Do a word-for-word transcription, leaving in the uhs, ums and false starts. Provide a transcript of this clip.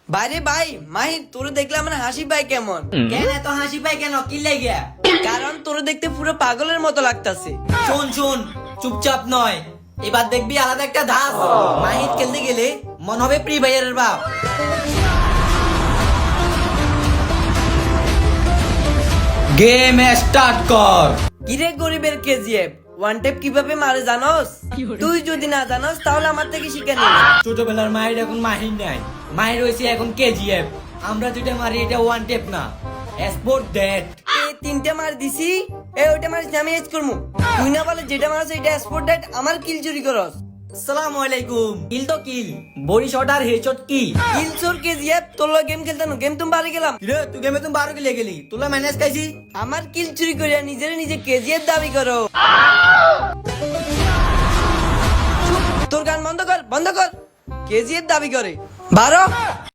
বাইরে ভাই মাহির তোরে দেখলাম মানে হাসি পাই কেমন? কেন এত হাসি পাই কেন? কি লেগে? কারণ তোরে দেখতে পুরো পাগলের মতো লাগতাছে। শোন শোন, চুপচাপ নয়, এবার দেখবি আলাদা একটা ধাস। মাহিত খেলতে গেলে মন হবে প্রি ভাইয়ারের বাপ। গেম স্টার্ট কর। কিরে গরিবের কেজিএফ ওয়ান টেপ কিভাবে মারে জানোস? তুই যদি না জানোস তাহলে আমার থেকে শিখে নে। ছোটবেলার মাহির এখন মাহির নাই, মাহির হয়েছে এখন কেজিএফ। আমরা যেটা মারি এটা ওয়ান টেপ না, স্পোর্ট ডেট। এই তিনটা মার দিছি, এই ওইটা মারিস আমি এজ করমু। তুই না বলে যেটা মারছ এটা স্পোর্ট ডেট, আমার কিল চুরি করস। আসসালামু আলাইকুম। কিল তো কিল, বডি শট আর হেডশট কি? কিল চোর কেজিএফ তোর লগে গেম খেলতানো, গেম তুমি বাড়ি গেলাম। রে তুই গেমে তুমি বারো কিলে গেলি, তোলা ম্যানেজ খাইছি। আমার কিল চুরি করিয়া নিজের নিজে কেজিএফ দাবি করো। তোর গান বন্ধ কর, বন্ধ কর। কেজিএফ দাবি করে বারো।